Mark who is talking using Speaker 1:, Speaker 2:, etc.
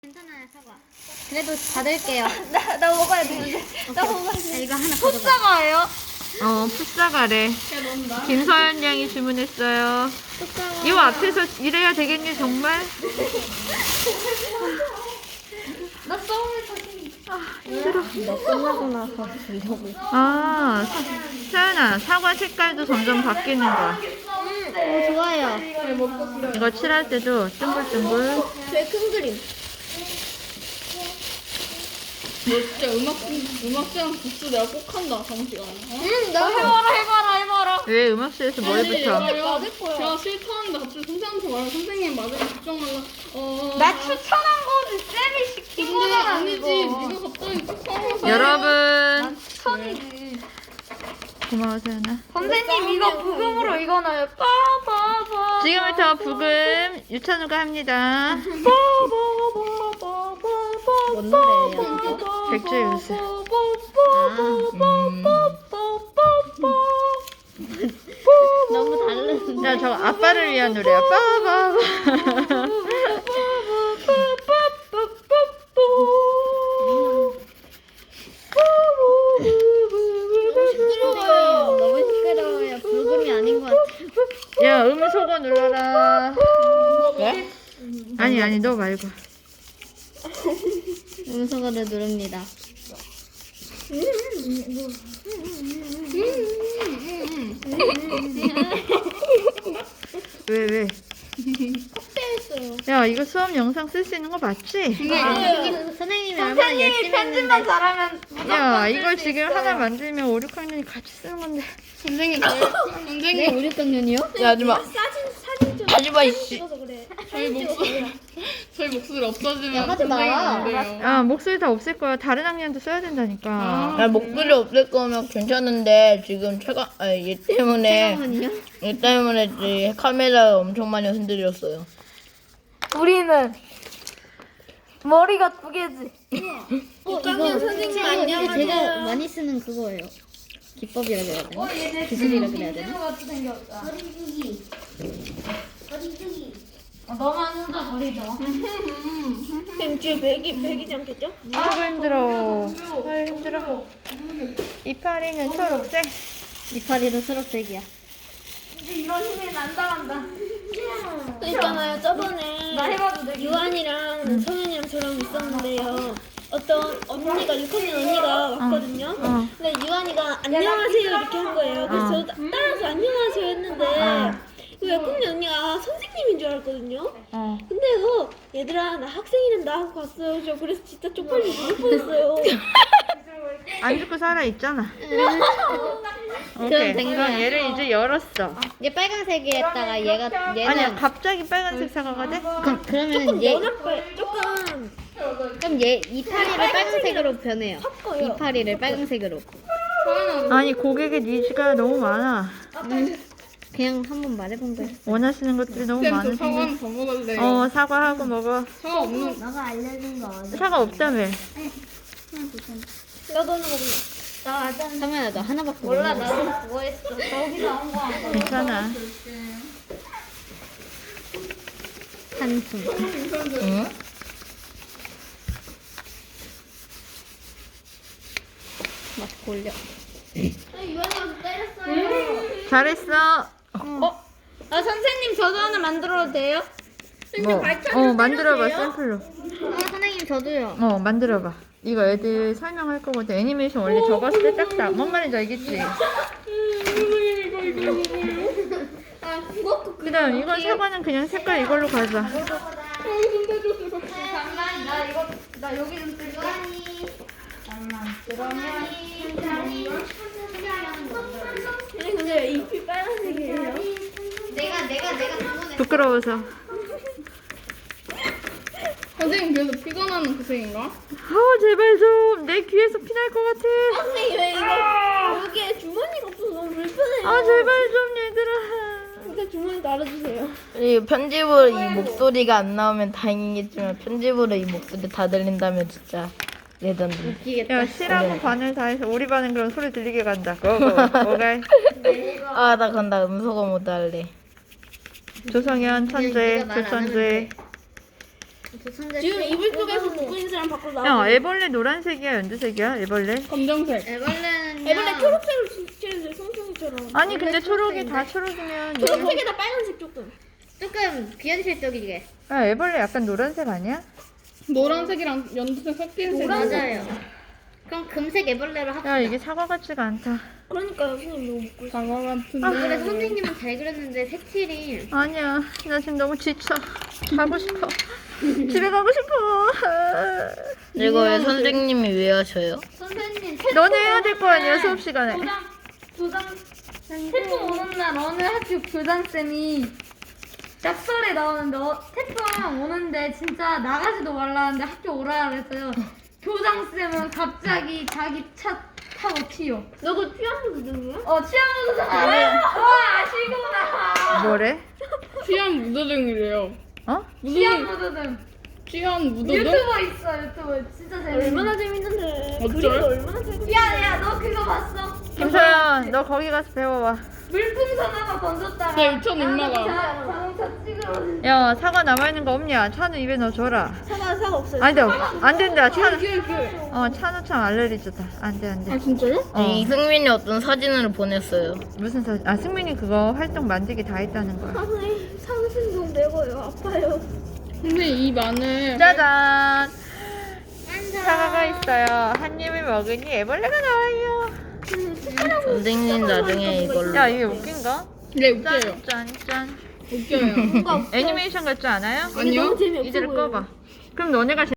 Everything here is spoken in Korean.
Speaker 1: 괜찮아요, 사과. 그래도 받을게요.
Speaker 2: 나 먹어야 되는데. 나 먹어야 돼.
Speaker 1: 이거 하나 가져가.
Speaker 2: 풋사과예요?
Speaker 3: 풋사과래. 김서연 양이 주문했어요. 이 앞에서 이래야 되겠니 정말?
Speaker 2: 나 썸을 사진.
Speaker 1: 너 끝나고 나서 주려고.
Speaker 3: 서연아, 사과 색깔도 점점 바뀌는 거야.
Speaker 1: 오, 좋아요.
Speaker 3: 이거 칠할 때도 둥글둥글.
Speaker 2: 제일 큰 그림. 너 진짜 음악장 복수 내가 꼭 한다, 다음 시간에. 나 해봐라.
Speaker 3: 왜 음악실에서 뭘 붙여?
Speaker 2: 맞을 거야. 제가 싫다는데 갑자기 선생님한테 말하면 선생님 맞으면 걱정 말라. 나 추천한 거지. 쌤이 시킨 거잖아. 아니지. 네가 갑자기 추천해서.
Speaker 3: 여러분,
Speaker 2: 추천이지.
Speaker 3: 고마워 서연아.
Speaker 2: 선생님 이거 부금으로 읽어놔요. 빠바바.
Speaker 3: 지금부터 부금 유찬우가 합니다.
Speaker 1: 뭔 노래예요?
Speaker 3: 백조유수.
Speaker 1: 너무 다른.
Speaker 3: 야, 저거 아빠를 위한 노래야. 빠바바.
Speaker 1: 너무 시끄러워요. 불금이 아닌 것 같아요.
Speaker 3: 야, 음소거 눌러라. 왜? 아니, 너 말고.
Speaker 1: 음소거를 누릅니다.
Speaker 3: 왜?
Speaker 2: 확대했어요.
Speaker 3: 야, 이거 수업 영상 쓸 수 있는 거 맞지?
Speaker 1: 선생님이 얼마나 열심히
Speaker 2: 편집만
Speaker 1: 했는데.
Speaker 2: 잘하면
Speaker 3: 야, 이걸 지금 하나 만들면 5, 6학년이 같이 쓰는 건데.
Speaker 2: 선생님
Speaker 1: 네, 5, 6학년이요?
Speaker 3: 야, 하지마.
Speaker 2: 사진 좀
Speaker 3: 하지마, 이씨.
Speaker 2: 찍어서 그래. 저희 목소리 없어지면
Speaker 1: 야, 하지 마.
Speaker 2: 선생님 안 돼요.
Speaker 3: 야, 목소리 다 없앨 거야. 다른 학년도 써야 된다니까.
Speaker 4: 야, 목소리 없앨 거면 괜찮은데 지금 얘 때문에 이 카메라 엄청 많이 흔들렸어요.
Speaker 2: 우리는 머리가 두 개지.
Speaker 1: 이거 선생님 안녕하세요. 제가 많이 쓰는 그거예요. 기법이라 그래야 되나? 기술이라 그래야 되나?
Speaker 2: 같이 생겼다. 너만 혼자 버리죠. 뱀쥐 배기지 않겠죠?
Speaker 3: 아이고 힘들어. 아이고 힘들어. 이파리는 초록색.
Speaker 1: 이파리도 초록색이야.
Speaker 2: 이런 힘이 난다간다. 있잖아요. 저번에 나 해봐도 돼. 유한이랑 성현이랑 저랑 있었는데요. 어떤 언니가 6학년 언니가 왔거든요. 근데 유한이가 안녕하세요 이렇게 한 거예요. 그래서 저도 따라서 안녕하세요 했는데 그 6학년 언니가 선생님인 줄 알았거든요. 근데요 얘들아 나 학생이란다 하고 갔어요. 저 그래서 진짜 쪽팔려 죽을 뻔했어요.
Speaker 3: 안 죽고 살아 있잖아.
Speaker 1: 그럼
Speaker 3: 오케이.
Speaker 1: 된
Speaker 3: 그럼
Speaker 1: 거야.
Speaker 3: 얘를 이제 열었어.
Speaker 1: 얘 빨간색이었다가 얘는
Speaker 3: 아니야, 갑자기 빨간색 사과가 돼?
Speaker 1: 그러면 얘
Speaker 2: 조금
Speaker 1: 그럼 얘 이파리를 빨간색으로 변해요.
Speaker 2: 섞어요.
Speaker 1: 이파리를 빨간색으로.
Speaker 3: 아니, 고객의 니즈가 너무 많아.
Speaker 1: 그냥 한번 말해본 거예요.
Speaker 3: 원하시는 것들이 너무 많은데.
Speaker 2: 더 먹을래요.
Speaker 3: 사과하고 먹어.
Speaker 2: 사과 없는.
Speaker 1: 너가 알려준 거 어디?
Speaker 3: 사과 없다며.
Speaker 2: 나도 하나 먹을래.
Speaker 1: 성현아 너 하나밖에
Speaker 2: 몰라
Speaker 1: 못
Speaker 2: 나도 그거 했어. 거기서 나온 거 아니야.
Speaker 3: 괜찮아.
Speaker 1: 한숨.
Speaker 4: 응?
Speaker 1: 막 올려.
Speaker 2: 유한이가 때렸어요.
Speaker 3: 잘했어.
Speaker 2: 아 선생님 저도 하나 만들어도 돼요?
Speaker 3: 만들어봐, 샘플로.
Speaker 1: 선생님 저도요.
Speaker 3: 만들어봐. 이거 애들 설명할 거거든. 애니메이션 원래 적었을 때 딱딱. 뭔 말인지 알겠지?
Speaker 2: 아 그것도
Speaker 3: 그 다음, 이건 사과는 그냥 색깔 이걸로 가자.
Speaker 2: 잠깐 나 여기 좀 쓸게. 근데 잎이 빨간색이에요.
Speaker 3: 부끄러워서.
Speaker 2: 선생님 그래서 피가 나는 그 색인가?
Speaker 3: 제발 좀. 내 귀에서 피날 것 같아.
Speaker 2: 선생님 왜 이거 여기에 주머니가 없어서 너무 불편해요.
Speaker 3: 제발 좀, 얘들아.
Speaker 2: 근데 주머니 달아주세요.
Speaker 4: 이 편집으로 이 목소리가 안 나오면 다행이겠지만 편집으로 이 목소리 다 들린다면 진짜 레전드.
Speaker 3: 야, 시라고 반을 다 해서 우리 반은 그럼 소리 들리게 간다. 고고. 오갈.
Speaker 4: 아, 나 간다. 음소거 못 할래.
Speaker 3: 조성현 천재,
Speaker 1: 네가 말안 하면
Speaker 3: 조천재.
Speaker 2: 지금 이불 속에서 누구 있는 사람 밖으로
Speaker 3: 야,
Speaker 2: 나와.
Speaker 3: 애벌레 노란색이야, 연두색이야? 애벌레?
Speaker 5: 검정색.
Speaker 1: 애벌레는요.
Speaker 2: 애벌레 초록색으로 칠해주세요. 송송이처럼.
Speaker 3: 아니, 근데 초록이 다 초록이면.
Speaker 2: 초록색에다 빨간색 조금.
Speaker 1: 조금 비현실적이게.
Speaker 3: 야, 애벌레 약간 노란색 아니야?
Speaker 5: 노란색이랑 연두색 섞인 색.
Speaker 1: 맞아요. 그럼 금색 애벌레로 합시다.
Speaker 3: 야, 이게 사과 같지가 않다.
Speaker 2: 그러니까요, 선생님 너무 먹고 싶어.
Speaker 5: 사과 같은데.
Speaker 1: 아, 그래 선생님은 잘 그렸는데 색칠이
Speaker 3: 아니야, 나 지금 너무 지쳐. 가고 싶어. 집에 가고 싶어.
Speaker 4: 이거 왜 선생님이 왜 하셔요?
Speaker 1: 선생님
Speaker 3: 너네 해야 될 거 아니야, 수업 시간에.
Speaker 6: 태풍 오는 날 어느 학교 교장쌤이 약설에 나오는데 태풍 오는데 진짜 나가지도 말라는데 학교 오라 그랬어요. 교장쌤은 갑자기 자기 차 타고 튀어.
Speaker 2: 너그 피아노 누구야?
Speaker 6: 취향무도등 알아요? 와 아시구나.
Speaker 3: 뭐래?
Speaker 5: 취한 무드등이래요.
Speaker 3: 어?
Speaker 6: 취향무도등
Speaker 5: 취한 무드등?
Speaker 6: 유튜버 있어 유튜버 진짜 재밌어.
Speaker 2: 얼마나 재밌는데.
Speaker 5: 어쩔?
Speaker 2: 그림도 얼마나 재밌어.
Speaker 6: 야야 너 그거 봤어?
Speaker 3: 김서연, 너 거기 가서 배워와.
Speaker 6: 물풍선 하나 던졌다가
Speaker 5: 네, 유치원 인마가.
Speaker 6: 자동차 찌그러진.
Speaker 3: 야, 사과 남아있는 거 없냐? 찬우 입에 넣어줘라.
Speaker 2: 사과 없어요.
Speaker 3: 안 돼, 안 된다. 찬우. 찬우 참 알레르기다. 안 돼, 안 돼.
Speaker 5: 아 진짜요?
Speaker 4: 이 승민이 어떤 사진을 보냈어요.
Speaker 3: 무슨 사진? 아, 승민이 그거 활동 만들기 다 했다는 거야.
Speaker 2: 선생님 상신 좀 내고요. 아파요.
Speaker 5: 근데 이 마늘
Speaker 3: 짜잔! 사과가 있어요. 한 입을 먹으니 애벌레가 나와요.
Speaker 4: 선생님 나중에 이걸로.
Speaker 3: 야, 이게 웃긴가?
Speaker 5: 네 웃겨요.
Speaker 3: 짠, 짠.
Speaker 5: 웃겨요.
Speaker 3: 애니메이션 같지 않아요?
Speaker 5: 아니요.
Speaker 2: 너무 재미없어
Speaker 3: 이제를
Speaker 2: 보여요.
Speaker 3: 꺼봐. 그럼 너네가